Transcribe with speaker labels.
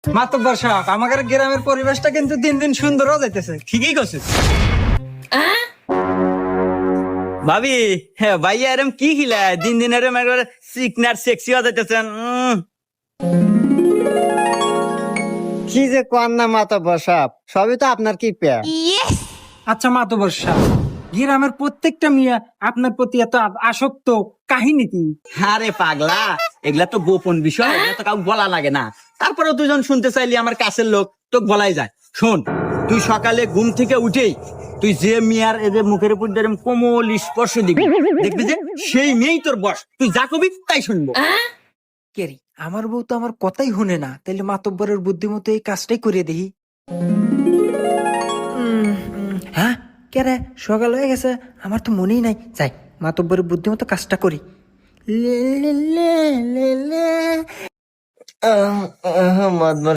Speaker 1: মাতব্বর সাহেব, আমাদের গ্রামের পরিবেশটা কিন্তু দিন দিন সুন্দর হয়ে যাইতেছে।
Speaker 2: ঠিকই করছিস ভাবি। হ্যাঁ ভাইয়া এরম কি খিলায় দিন দিন এরম একবারে সিকনার সেক্সি হয়ে যাইতেছেন।
Speaker 3: কি যে কোন না মাতব্বর সাহেব, সবই তো আপনার কি পেয়া।
Speaker 1: আচ্ছা মাতব্বর সাহেব, গ্রামের প্রত্যেকটা মিয়া আপনার প্রতি এত আসক্ত, কাহিনী কি?
Speaker 2: আরে পাগলা, এগুলা তো গোপন বিষয়, এগুলা তো কাউকে বলা লাগে না। তারপরে তুই যখন শুনতে চাইলি আমার কাছের লোক, তো বলাই যায়। শোন, তুই সকালে ঘুম থেকে উঠেই তুই যে মিয়ার এদের মুখের উপর দিয়ে এরম কোমল স্পর্শ দিবি, দেখবি যে সেই মেয়েই তোর বস। তুই যা কবি তাই শুনবো।
Speaker 1: কেরি, আমার বউ তো আমার কথাই শুনে না, তাইলে মাতব্বরের বুদ্ধিমতো এই কাজটাই করে দেখি। হ্যাঁ কে রে, সকাল হয়ে গেছে, আমার তো মনেই নাই। যাই, মাতব্বরের বুদ্ধিমতো কাজটা করি। লে লে লে লে লে।
Speaker 3: মাতব্বর